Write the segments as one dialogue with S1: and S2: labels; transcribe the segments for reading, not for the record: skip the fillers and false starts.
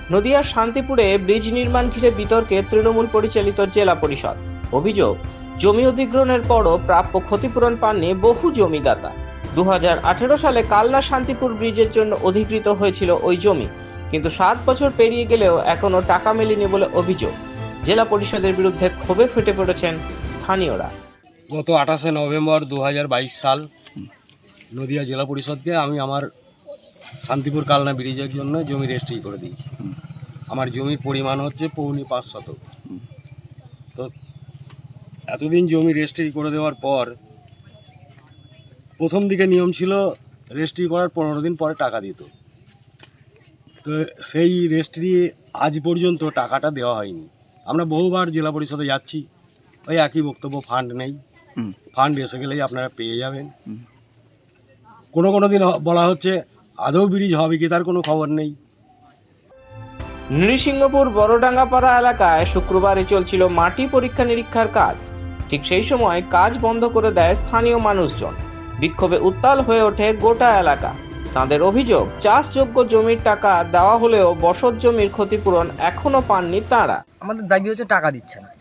S1: নদিয়ার শান্তিপুরে ব্রিজ নির্মাণ ঘিরে বিতর্কে তৃণমূল পরিচালিত জেলা পরিষদ। অভিযোগ, জমি অধিগ্রহণের পরও প্রাপ্য ক্ষতিপূরণ পাননি বহু জমিদাতা। 2018 সালে কালনা শান্তিপুর ব্রিজের জন্য অধিকৃত হয়েছিল ওই জমি, কিন্তু 7 বছর পেরিয়ে গেলেও এখনো টাকা মেলেনি বলে অভিযোগ। জেলা পরিষদের বিরুদ্ধে ক্ষোভে ফেটে পড়েছেন স্থানীয়রা।
S2: গত 28শে নভেম্বর 2022 সাল নদিয়া জেলা পরিষদকে আমি আমার শান্তিপুর কালনা ব্রিজের জন্য জমি রেজিস্ট্রি করে দিয়েছি। আমার জমির পরিমাণ হচ্ছে 5.5 শতক। তো এতদিন জমি রেজিস্ট্রি করে দেওয়ার পর প্রথম দিকে নিয়ম ছিল রেজিস্ট্রি করার 15 দিন পরে টাকা দিত। তো সেই রেজিস্ট্রি আজ পর্যন্ত টাকাটা দেওয়া হয়নি। আমরা বহুবার জেলা পরিষদে যাচ্ছি, ওই একই বক্তব্য, ফান্ড নেই, ফান্ড এসে গেলেই আপনারা পেয়ে যাবেন। কোনো দিন বলা হচ্ছে আদৌ ব্রিজ হবে কি তার কোনো খবর নেই।
S1: নৃসিংহপুর বড়ডাঙ্গাপাড়া এলাকায় শুক্রবারই চলছিল মাটি পরীক্ষা নিরীক্ষার কাজ। ঠিক সেই সময় কাজ বন্ধ করে দেয় স্থানীয় মানুষজন। বিক্ষোভে উত্তাল হয়ে ওঠে গোটা এলাকা। তাদের অভিযোগ, চাষযোগ্য জমির টাকা দেওয়া হলেও বসত জমির ক্ষতিপূরণ এখনো পাননি তারা।
S3: আমাদের দাবি হচ্ছে টাকা দিচ্ছে না।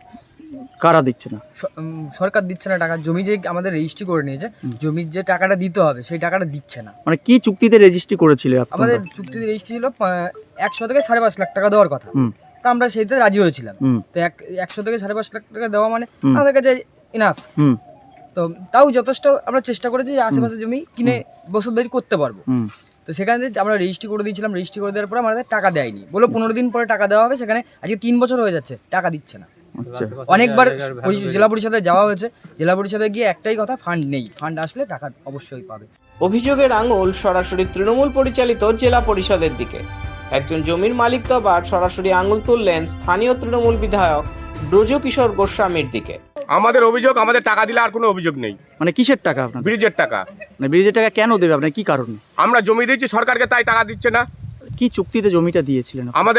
S4: কারা দিচ্ছে না?
S3: সরকার দিচ্ছে না টাকা। জমি যে আমাদের রেজিস্ট্রি করে নিয়েছে, জমির যে টাকাটা দিতে হবে সেই টাকাটা দিচ্ছে না।
S4: মানে কি চুক্তিতে রেজিস্ট্রি করেছিল আপনারা?
S3: আমাদের চুক্তিতে রেজিস্ট্রি ছিল 100 থেকে 5.5 লাখ টাকা দেওয়ার কথা। তো আমরা সেইতে রাজি হয়েছিলাম। তো 100 থেকে 5.5 লাখ টাকা দেওয়া মানে আমাদের কাছে ইনাফ। তো তাও যথেষ্ট আমরা চেষ্টা করেছি যে আশেপাশে জমি কিনে বসতবাড়ি করতে পারবো। তো সেখানে আমরা রেজিস্ট্রি করে দিয়েছিলাম। রেজিস্ট্রি করে দেওয়ার পর আমাদের টাকা দেয়নি, বলে 15 দিন পরে টাকা দেওয়া হবে। সেখানে আজকে 3 বছর হয়ে যাচ্ছে, টাকা দিচ্ছে না। অনেকবার জেলা পরিষদে যাওয়া হয়েছে, জেলা পরিষদে গিয়ে একটাই কথা, ফান্ড নেই, ফান্ড আসলে টাকা অবশ্যই পাবে।
S1: অভিযোগের আঙুল সরাসরি তৃণমূল পরিচালিত জেলা পরিষদের দিকে। একজন জমির মালিক তো আবার সরাসরি আঙুল তুললেন স্থানীয় তৃণমূল বিধায়ক ব্রজকিশোর গোস্বামীর দিকে।
S5: আমাদের অভিযোগ, আমাদের টাকা দিলে আর কোনো অভিযোগ নেই।
S4: মানে কিসের টাকা আপনার?
S5: ব্রিজের টাকা।
S4: মানে ব্রিজের টাকা কেন দেবে আপনার, কি কারণে?
S5: আমরা জমি দিয়েছি সরকারকে, তাই টাকা দিচ্ছে না।
S4: কি চুক্তিতে জমিটা দিয়েছিলেন?
S5: আমাদের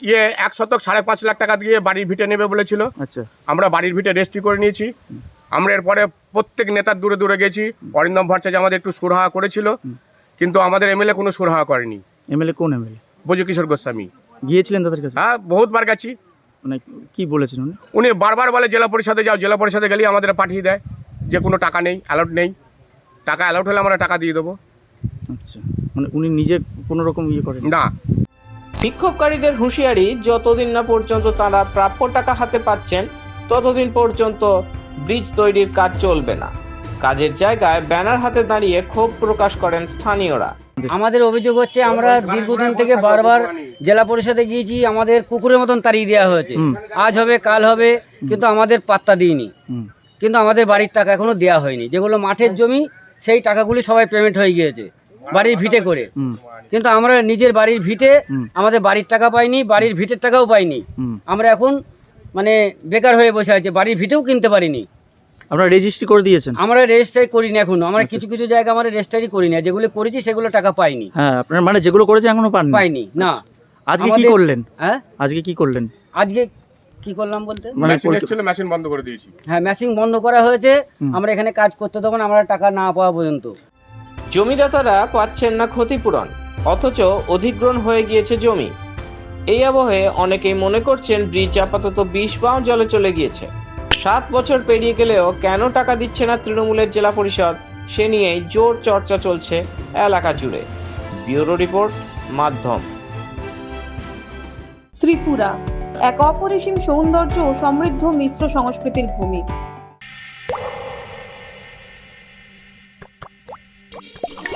S5: 1 শতক 5.5 লাখ টাকা দিয়ে বাড়ির ভিটে নেবে বলেছিল।
S4: আচ্ছা,
S5: আমরা বাড়ির ভিটে রেজিস্ট্রি করে নিয়েছি। আমরা এরপরে প্রত্যেক নেতার দূরে দূরে গেছি। অরিন্দম ভট্টাচার্য আমাদের একটু সুরাহা করেছিল, কিন্তু আমাদের এমএলএ কোনো সুরাহা করেনি।
S4: এমএলএ কোন এমএলএ?
S5: ব্রজকিশোর গোস্বামী।
S4: গিয়েছিলেন তাদের কাছে?
S5: হ্যাঁ, বহুতবার গেছি।
S4: মানে কি বলেছেন উনি?
S5: উনি বারবার বলে জেলা পরিষদে যাও, জেলা পরিষদে গেলেই আমাদের পাঠিয়ে দেয় যে কোনো টাকা নেই, অ্যালাউট নেই। টাকা অ্যালাউট হলে আমরা টাকা দিয়ে দেবো।
S4: আচ্ছা, মানে উনি নিজের কোনো রকম ইয়ে করেন
S5: না।
S1: বিক্ষোভকারীদের হুঁশিয়ারি, যতদিন না পর্যন্ত তারা প্রাপ্য টাকা হাতে পাচ্ছেন ততদিন পর্যন্ত ব্রিজ তৈরির কাজ চলবে না। কাজের জায়গায় ব্যানার হাতে দাঁড়িয়ে ক্ষোভ প্রকাশ করেন স্থানীয়রা।
S6: আমাদের অভিযোগ হচ্ছে, আমরা দীর্ঘদিন থেকে বারবার জেলা পরিষদে গিয়েছি, আমাদের কুকুরের মতন তাড়িয়ে দেওয়া হয়েছে। আজ হবে কাল হবে, কিন্তু আমাদের পাত্তা দিইনি। কিন্তু আমাদের বাড়ির টাকা এখনো দেওয়া হয়নি। যেগুলো মাঠের জমি, সেই টাকাগুলি সবাই পেমেন্ট হয়ে গিয়েছে বাড়ির ভিটে করে। কিন্তু আমরা নিজের বাড়ির ভিটে আমাদের বাড়ির টাকা পাইনি, বাড়ির ভিটের টাকাও পাইনি। আমরা এখন মানে বেকার হয়ে বসে আছি, বাড়ির ভিটেও কিনতে পারিনি।
S4: আপনারা রেজিস্ট্রি করে দিয়েছেন?
S6: আমরা রেজিস্ট্রি করিনি এখনো। আমরা কিছু কিছু জায়গা আমরা রেজিস্ট্রি করি না, যেগুলো করেছি সেগুলো টাকা পাইনি।
S4: হ্যাঁ, আপনারা মানে যেগুলো করেছে এখনো পাইনি?
S6: না।
S4: আজকে কি করলেন? হ্যাঁ, আজকে কি করলেন?
S6: আজকে কি করলাম বলতে,
S5: মেশিন বন্ধ করে দিয়েছি।
S6: হ্যাঁ, মেশিন বন্ধ করা হয়েছে। আমরা এখানে কাজ করতে দেবো না, আমরা টাকা না পাওয়া পর্যন্ত।
S1: জমিদাতারা পাচ্ছেন না ক্ষতিপূরণ, অথচ অধিগ্রহণ হয়ে গিয়েছে জমি। এই আবহে অনেকেই মনে করছেন ব্রিজ আপাতত 20 পাও জলে চলে গিয়েছে। 7 বছর পেরিয়ে গেলেও কেন টাকা দিচ্ছে না তৃণমূলের জেলা পরিষদ, সে নিয়েই জোর চর্চা চলছে এলাকা জুড়ে। ব্যুরো রিপোর্ট, মাধ্যম।
S7: ত্রিপুরা এক অপরিসীম সৌন্দর্য ও সমৃদ্ধ মিশ্র সংস্কৃতির ভূমি।